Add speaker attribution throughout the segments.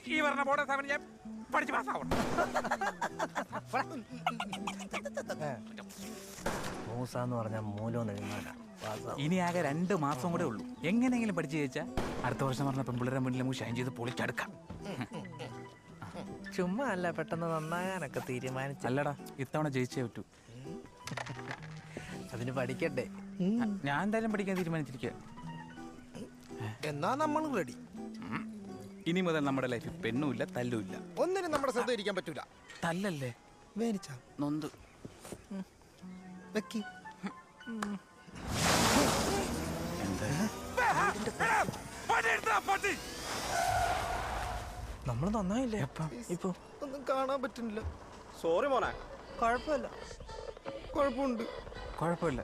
Speaker 1: ഈ പറഞ്ഞ ബോർഡ് എക്സാമിന് ഞാൻ പഠിച്ച് പാസ്സാവണം.
Speaker 2: മൂസാന്ന് പറഞ്ഞാൽ മൂലം എഴുതാനാ.
Speaker 1: ഇനി ആകെ 2 മാസം കൂടെ ഉള്ളൂ. എങ്ങനെയെങ്കിലും പഠിച്ചു ജയിച്ചാൽ അടുത്ത വർഷം പറഞ്ഞ പെൺപിള്ളേരെ മുന്നിൽ നമുക്ക് ഷൈൻ ചെയ്ത് പൊളിച്ചെടുക്കാം.
Speaker 2: ചുമ്മാ അല്ല, പെട്ടെന്ന് നന്നാകാനൊക്കെ തീരുമാനിച്ചു.
Speaker 1: അല്ലടാ, ഇത്തവണ ജയിച്ചേ പറ്റൂ.
Speaker 2: അതിന് പഠിക്കണ്ടേ?
Speaker 1: ഞാൻ എന്തായാലും പഠിക്കാൻ തീരുമാനിച്ചിരിക്കുക.
Speaker 3: എന്നാ നമ്മൾ റെഡി.
Speaker 1: ഇനി മുതൽ നമ്മുടെ ലൈഫിൽ പെണ്ണുമില്ല, തല്ലുമില്ല.
Speaker 3: ഒന്നിനും നമ്മുടെ ശ്രദ്ധ ഇരിക്കാൻ പറ്റൂല.
Speaker 1: തല്ലല്ലേ,
Speaker 3: വേനിച്ച
Speaker 1: നൊന്ത്
Speaker 3: വെക്കി.
Speaker 2: നമ്മൾ നന്നായില്ലേ ഇപ്പൊ?
Speaker 3: ഒന്നും കാണാൻ പറ്റുന്നില്ല.
Speaker 4: സോറി മോനെ.
Speaker 3: കുഴപ്പമില്ല, കുഴപ്പമുണ്ട്.
Speaker 1: കുഴപ്പമില്ല.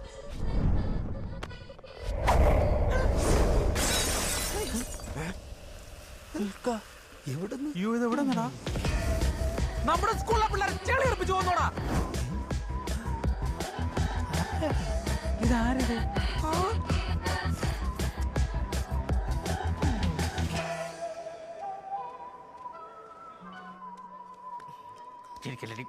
Speaker 1: നമ്മുടെ സ്കൂളിലെ പിള്ളേർ ചെളി ഉറപ്പിച്ചു പോന്നോടാ. ഇതാരത്? ചിരിക്കല്ലേ?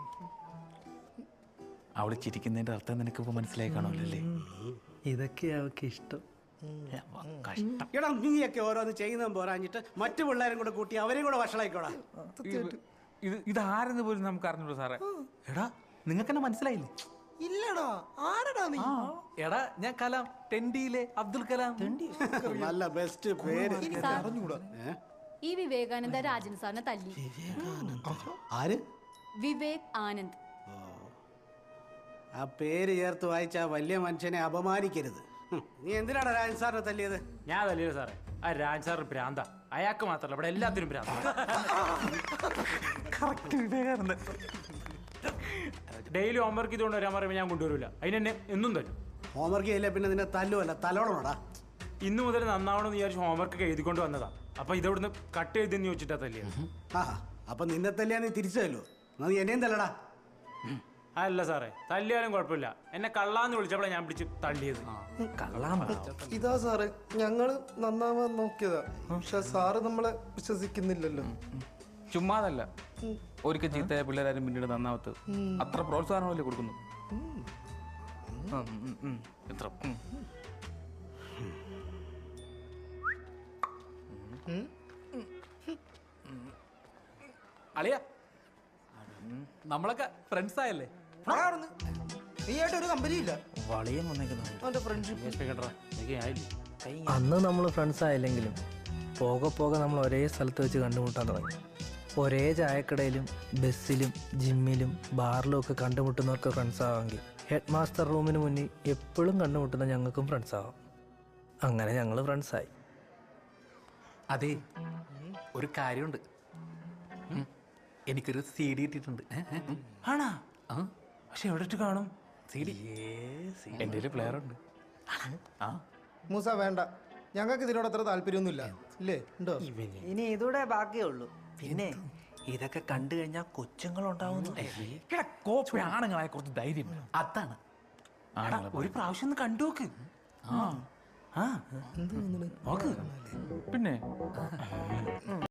Speaker 1: അവള് ചിരിക്കുന്നതിന്റെ അർത്ഥം നിനക്കിപ്പോ മനസ്സിലായി കാണുമല്ലേ?
Speaker 2: ഇതൊക്കെ അവൾക്ക് ഇഷ്ടം.
Speaker 1: കഷ്ടം.
Speaker 4: എടാ, നീയൊക്കെ ഓരോന്ന് ചെയ്യുന്നതും പോരാഞ്ഞിട്ട് മറ്റു പിള്ളേരും കൂടെ കൂട്ടി അവരെയും കൂടെ വഷളായിക്കോടാ.
Speaker 1: ഇതാരെന്ന് പോലും നമുക്ക് അറിഞ്ഞൂടാ സാറേ. എടാ, നിങ്ങൾക്ക് എന്നെ മനസ്സിലായില്ലേ?
Speaker 3: ഇല്ലടാ, ആരടാ നീ?
Speaker 2: എടാ, ഞാൻ കലാം, ടെൻഡിയിലെ അബ്ദുൽ കലാം.
Speaker 4: നല്ല ബെസ്റ്റ് പേര്.
Speaker 3: അറിഞ്ഞൂടാ.
Speaker 5: ഈ വിവേകാനന്ദ രാജൻ സാറിനെ തല്ലി.
Speaker 4: ആര്?
Speaker 5: വിവേക് ആനന്ദ്.
Speaker 4: ആ പേര് ചേർത്ത് വായിച്ച ആ വലിയ മനുഷ്യനെ അപമാനിക്കരുത്. നീ എന്തിനാണ് രാജൻ സാറിനെ തല്ലിയത്?
Speaker 6: ഞാൻ തല്ലിയത് സാറേ, ആ രാജ് സാറിന് ഭ്രാന്ത. അയാൾക്ക് മാത്രമല്ല, ഇവിടെ എല്ലാത്തിനും ഭ്രാന്ത. ഡെയിലി ഹോംവർക്ക് ഇതുകൊണ്ട് വരാൻ പറയുമ്പോൾ ഞാൻ കൊണ്ടുവരില്ല. അതിനെന്നെ എന്നും തരും.
Speaker 4: ഹോംവർക്ക് ചെയ്യില്ല പിന്നെ നിന്നെ തല്ലുമല്ല തലോടണോടാ.
Speaker 6: ഇന്നു മുതൽ നന്നാവണമെന്ന് വിചാരിച്ച് ഹോംവർക്ക് എഴുതിക്കൊണ്ട് വന്നതാ. അപ്പൊ ഇതവിടുന്ന് കട്ട് ചെയ്തെന്ന് ചോദിച്ചിട്ടാ തല്ലിയത്.
Speaker 4: ആ, അപ്പൊ നിന്നെ തല്ലിയാ നീ തിരിച്ചു തല്ലോ. എന്നാ നീ എന്നെയും തല്ലടാ.
Speaker 6: അല്ല സാറേ, തല്ലിയാലും കുഴപ്പമില്ല. എന്നെ കള്ളാന്ന് വിളിച്ചപ്പോഴാ ഞാൻ പിടിച്ച് തള്ളിയത്.
Speaker 3: ഇതാ സാറേ, ഞങ്ങള് നന്നാവാൻ നോക്കിയതാ. പക്ഷെ സാറ് നമ്മളെ വിശ്വസിക്കുന്നില്ലല്ലോ.
Speaker 1: ചുമ്മാതല്ല, ഒരിക്കൽ ചീത്തയായ പിള്ളേരാരും പിന്നീട് നന്നാവത്ത്. അത്ര പ്രോത്സാഹനമല്ലേ കൊടുക്കുന്നു. എത്ര
Speaker 2: അളിയ, നമ്മളൊക്കെ ഫ്രണ്ട്സ് ആയല്ലേ?
Speaker 3: നീ ആയിട്ട് ഒരു കമ്പനി ഇല്ല.
Speaker 2: വളിയം വന്നേക്കുന്നു.
Speaker 3: അവന്റെ ഫ്രണ്ട്ഷിപ്പ്
Speaker 2: അന്ന് നമ്മൾ ഫ്രണ്ട്സ് ആയില്ലെങ്കിലും പോകെ പോകെ നമ്മൾ ഒരേ സ്ഥലത്ത് വെച്ച് കണ്ടുമുട്ടാൻ തുടങ്ങി. ഒരേ ചായക്കടയിലും ബസ്സിലും ജിമ്മിലും ബാറിലും ഒക്കെ കണ്ടുമുട്ടുന്നവർക്ക് ഫ്രണ്ട്സ് ആവാമെങ്കിൽ ഹെഡ് മാസ്റ്റർ റൂമിന് മുന്നിൽ എപ്പോഴും കണ്ടുമുട്ടുന്ന ഞങ്ങൾക്കും ഫ്രണ്ട്സ് ആവാം. അങ്ങനെ ഞങ്ങൾ ഫ്രണ്ട്സായി.
Speaker 7: അതെ, ഒരു കാര്യമുണ്ട്. എനിക്കൊരു CD ഇട്ടിട്ടുണ്ട്.
Speaker 6: ആണാ? പക്ഷെ എവിടെ ഇട്ട് കാണും?
Speaker 7: CD എൻ്റെ പ്ലെയർ ഉണ്ട്.
Speaker 3: മൂസ വേണ്ട, ഞങ്ങൾക്ക് ഇതിനോട് അത്ര താല്പര്യമൊന്നുമില്ല. ഇല്ലേ? ഉണ്ടോ?
Speaker 2: ഇനി ഇതൂടെ ബാക്കിയേ ഉള്ളൂ. പിന്നെ ഇതൊക്കെ കണ്ടു കഴിഞ്ഞാൽ കൊച്ചുങ്ങളുണ്ടാവുന്നു.
Speaker 1: ആണുങ്ങളായ കുറച്ച് ധൈര്യം.
Speaker 7: അതാണ്.
Speaker 6: ഒരു പ്രാവശ്യം ഒന്ന് കണ്ടു നോക്ക്.
Speaker 1: പിന്നെ